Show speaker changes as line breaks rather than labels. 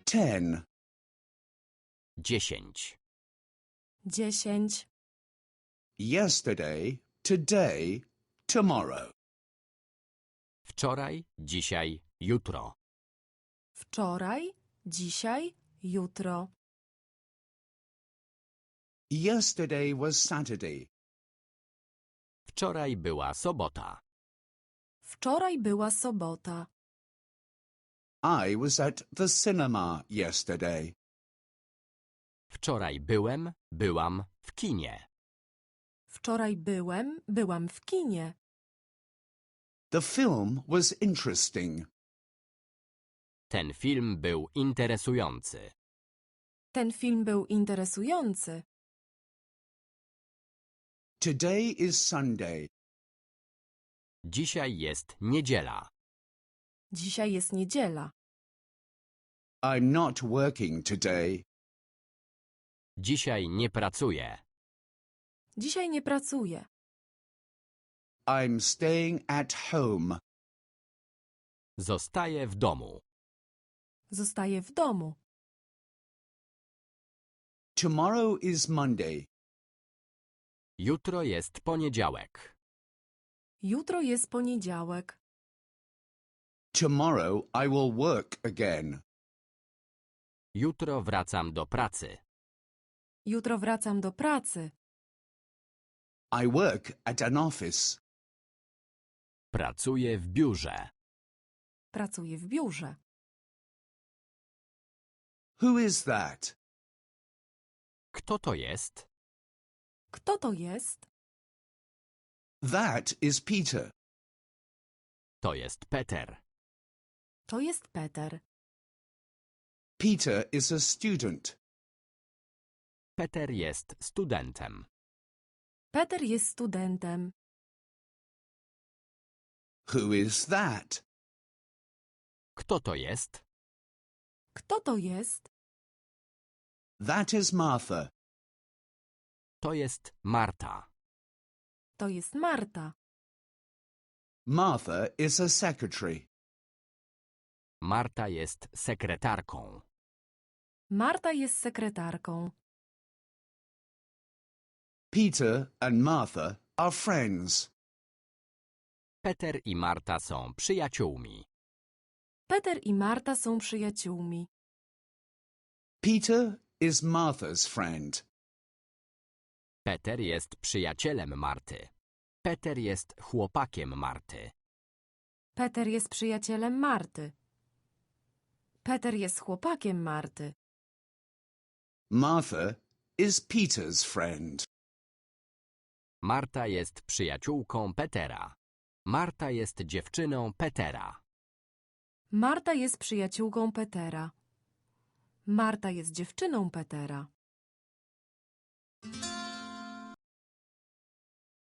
10.
10.
10.
Yesterday, today, tomorrow.
Wczoraj, dzisiaj, jutro.
Wczoraj, dzisiaj, jutro.
Yesterday was Saturday.
Wczoraj była sobota.
Wczoraj była sobota.
I was at the cinema yesterday.
Wczoraj byłam w kinie.
Wczoraj byłam w kinie.
The film was interesting.
Ten film był interesujący.
Ten film był interesujący.
Today is Sunday.
Dzisiaj jest niedziela.
Dzisiaj jest niedziela.
I'm not working today.
Dzisiaj nie pracuję.
Dzisiaj nie pracuję.
I'm staying at home.
Zostaję w domu.
Zostaję w domu.
Tomorrow is Monday.
Jutro jest poniedziałek.
Jutro jest poniedziałek.
Tomorrow I will work again.
Jutro wracam do pracy.
Jutro wracam do pracy.
I work at an office.
Pracuję w biurze.
Pracuję w biurze.
Who is that?
Kto to jest?
Kto to jest?
That is Peter.
To jest Peter.
To jest Peter.
Peter is a student.
Peter jest studentem.
Peter jest studentem.
Who is that?
Kto to jest?
Kto to jest?
That is Martha.
To jest Marta.
To jest Marta.
Martha is a secretary.
Marta jest sekretarką.
Marta jest sekretarką.
Peter and Martha are friends.
Peter i Marta są przyjaciółmi.
Peter i Marta są przyjaciółmi.
Peter is Martha's friend.
Peter jest przyjacielem Marty. Peter jest chłopakiem Marty.
Peter jest przyjacielem Marty. Peter jest chłopakiem Marty.
Martha is Peter's friend.
Marta jest przyjaciółką Petera. Marta jest dziewczyną Petera.
Marta jest przyjaciółką Petera. Marta jest dziewczyną Petera.